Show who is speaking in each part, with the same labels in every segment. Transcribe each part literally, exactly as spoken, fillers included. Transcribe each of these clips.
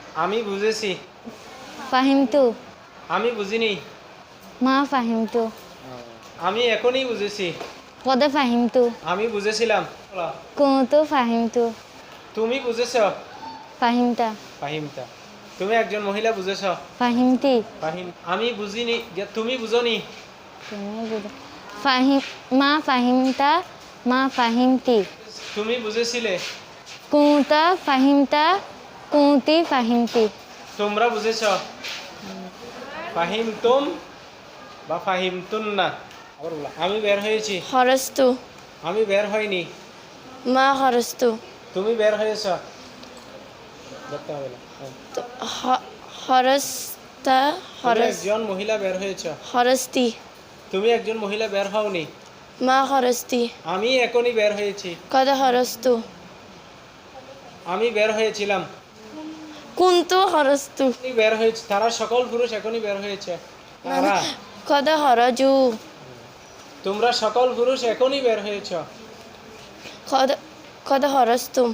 Speaker 1: আমি বুঝেছি।
Speaker 2: ফাহিমতু।
Speaker 1: আমি বুঝিনি।
Speaker 2: মা ফাহিমতু।
Speaker 1: আমি এখনই বুঝেছি।
Speaker 2: কদ ফাহিমতু।
Speaker 1: আমি বুঝেছিলাম।
Speaker 2: কুনতু ফাহিমতু।
Speaker 1: তুমি বুঝেছ।
Speaker 2: ফাহিমতা।
Speaker 1: ফাহিমতা। তুমি একজন মহিলা বুঝেছ।
Speaker 2: ফাহিমতি।
Speaker 1: ফাহিম আমি বুঝিনি যে তুমি বুঝনি।
Speaker 2: তুমি বুঝো। ফাহিম মা ফাহিমতা। মা ফাহিমতি।
Speaker 1: তুমি বুঝেছিলে।
Speaker 2: কুনতা ফাহিমতা। কুনতি ফাহিমতি।
Speaker 1: তোমরা বুঝেছ। ফাহিমতুম বা ফাহিমতুন্না। আবার বলো, আমি বের হয়েছি।
Speaker 3: খরস্তু।
Speaker 1: আমি বের হইনি।
Speaker 3: মা খরস্তু।
Speaker 1: তুমি বের হয়েছ। দেখতে হবে না। হ্যাঁ।
Speaker 3: তো খ- খরস্তা
Speaker 1: তুমি
Speaker 3: খরস
Speaker 1: একজন মহিলা বের হয়েছ।
Speaker 3: খরস্তি।
Speaker 1: তুমি একজন মহিলা বের হওনি।
Speaker 3: মা খরস্তি।
Speaker 1: আমি এখনই বের হয়েছি।
Speaker 3: কদ খরস্তু।
Speaker 1: আমি বের হয়েছিলাম।
Speaker 3: কুন্তু খরস্তু।
Speaker 1: এখনই বের হয়েছে, তারা সকল পুরুষ এখনই বের হয়েছে। তারা
Speaker 3: কদ খরজু।
Speaker 1: তোমরা সকল পুরুষ এখনই বের হয়েছ।
Speaker 3: কদ কদ খরস্তুম।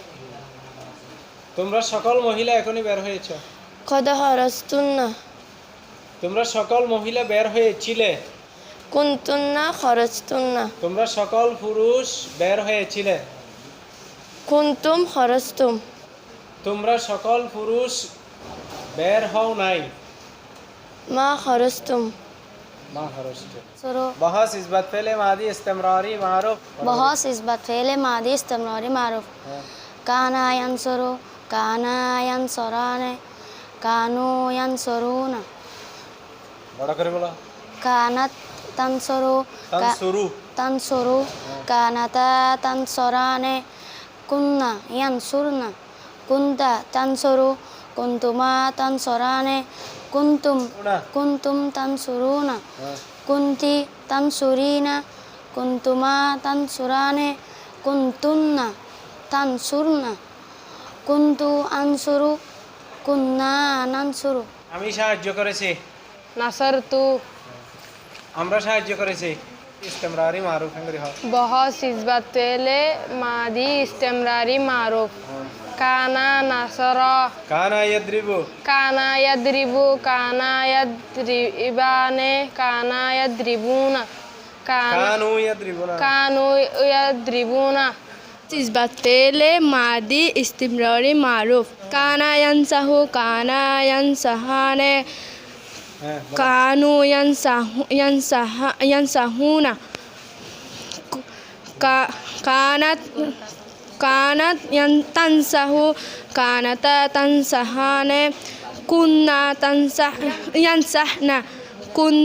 Speaker 1: তোমরা সকল মহিলা এখনই বের হয়েছ।
Speaker 3: কদ খরস্তুন্না।
Speaker 1: তোমরা সকল মহিলা বের হয়েছিলে।
Speaker 3: কুন্তুন্না খরস্তুন্না।
Speaker 1: তোমরা সকল পুরুষ বের হয়েছিলে।
Speaker 3: কুন্তুম খরস্তুম।
Speaker 1: তোমরা সকল পুরুষ বের হও নাই।
Speaker 3: মা খরস্তুম।
Speaker 1: মা হরষ্ট।
Speaker 2: सुरो
Speaker 1: बहस इस्बत फेले मादी इस्तेमरारी मारूफ।
Speaker 2: बहुत इस्बत फेले मादी इस्तेमरारी मारूफ काना यंसुरु काना यंसुराने कानू यंसुरूना
Speaker 1: बड़ा करे बोला।
Speaker 2: कानत तंसुरु
Speaker 1: तंसुरु।
Speaker 2: तंसुरु कानता तंसुराने कुन्ना यंसुरना कुंता तंसुरु कुंतुमा तंसुराने कुंतुम
Speaker 1: ना।
Speaker 2: कुंतुम तंसुरूना
Speaker 1: हाँ।
Speaker 2: कुंती तंसुरीना कुंतुमा तंसुराने कुंतुन्ना तंसुरना कुंतु अंसुरु कुन्ना नंसुरु
Speaker 1: আমি সাহায্য করেছি।
Speaker 3: নাসারতু।
Speaker 1: আমরা সাহায্য করেছি। ইস্তেমরারি মারুফ হঙ্গরি হয়।
Speaker 3: बहुत इस्बत फेले मादी इस्तेमरारी मारूफ काना नासरा
Speaker 1: কানা ইয়াদ্রিবু।
Speaker 3: काना यद्रिबु काना यद्रिबाने काना यद्रिबूना काना
Speaker 1: কানু ইয়াদ্রিবুনা।
Speaker 3: कानू यद्रिबूना इस्बत फेले मादी इस्तिमरारी मारूफ काना यंसहु काना यंसहाने
Speaker 1: হ্যাঁ।
Speaker 3: कानू यंसहु यंसहा यंसहूना का कानत कानत यंतंसहु कानता तंसहाने कुन्ना तंसह यंसहना कुन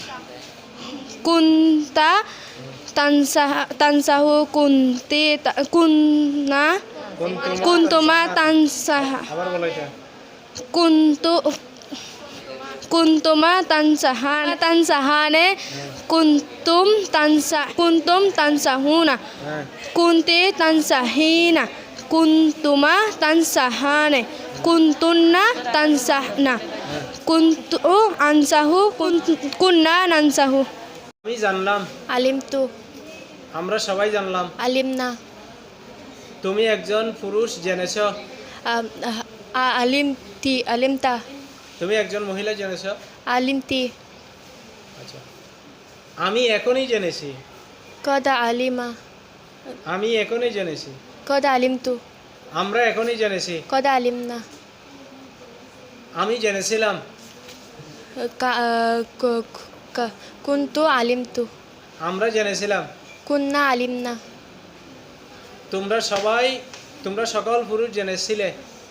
Speaker 3: कुंता तंसह तंसहु कुंती त- कुन्ना कुंतुमा तंसह
Speaker 1: আবার বলো এটা।
Speaker 3: कुंतु कुंतुमा तंसहान तंसहाने कुंतुम तंसा कुंतुम तंसहूना
Speaker 1: হ্যাঁ।
Speaker 3: कुंते तंसहीना कुंतुमा तंसहाने कुंतुन्ना तंसहना कुंतु अंसहु कुन- कुन्ना नंसहु
Speaker 1: আমি জানলাম।
Speaker 3: अलिमतु
Speaker 1: আমরা সবাই জানলাম।
Speaker 3: अलिमना
Speaker 1: তুমি একজন পুরুষ জেনেছ।
Speaker 3: अलिमती अलिमता
Speaker 1: তুমি একজন মহিলা জেনেছ।
Speaker 3: अलिमती
Speaker 1: আচ্ছা, আমি এখনই জেনেছি।
Speaker 3: कद अलिमा
Speaker 1: আমি এখনই জেনেছি।
Speaker 3: कद अलिमतु
Speaker 1: আমরা এখনই জেনেছি।
Speaker 3: कद अलिमना
Speaker 1: আমি জেনেছিলাম।
Speaker 3: क- क- क- कुंतु अलिमतु
Speaker 1: আমরা জেনেছিলাম।
Speaker 3: कुन्ना अलिमना
Speaker 1: তোমরা সবাই তোমরা সকল পুরুষ জেনেছিলে।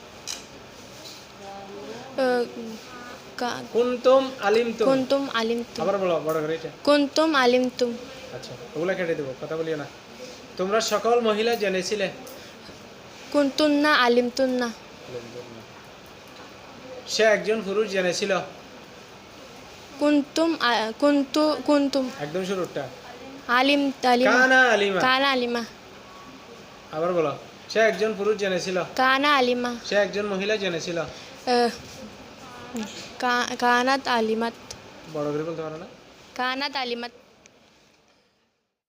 Speaker 1: কুনতুম আলিমতুম।
Speaker 3: कुंतुम अलिमतु
Speaker 1: আবার বলো বড় করে এটা।
Speaker 3: कुंतुम अलिमतुम
Speaker 1: আচ্ছা, ওগুলা কেটে দেবো, কথা বলিও না। তোমরা সকল মহিলা জেনেছিলে।
Speaker 3: कुंतुन्ना अलिमतुन्ना
Speaker 1: সে একজন পুরুষ জেনেছিল।
Speaker 3: कुंतुम अ- कुंतु कुंतुम
Speaker 1: একদম শুরুটা।
Speaker 3: आलिम अलिमा
Speaker 1: কানা আলিমা।
Speaker 3: काना अलिमा
Speaker 1: আবার বলো, সে একজন পুরুষ জেনেছিল।
Speaker 3: काना अलिमा
Speaker 1: সে একজন মহিলা জেনেছিল।
Speaker 3: अ, का, कानत अलिमत
Speaker 1: বড় করে বলতে পারো না।
Speaker 3: कानत अलिमत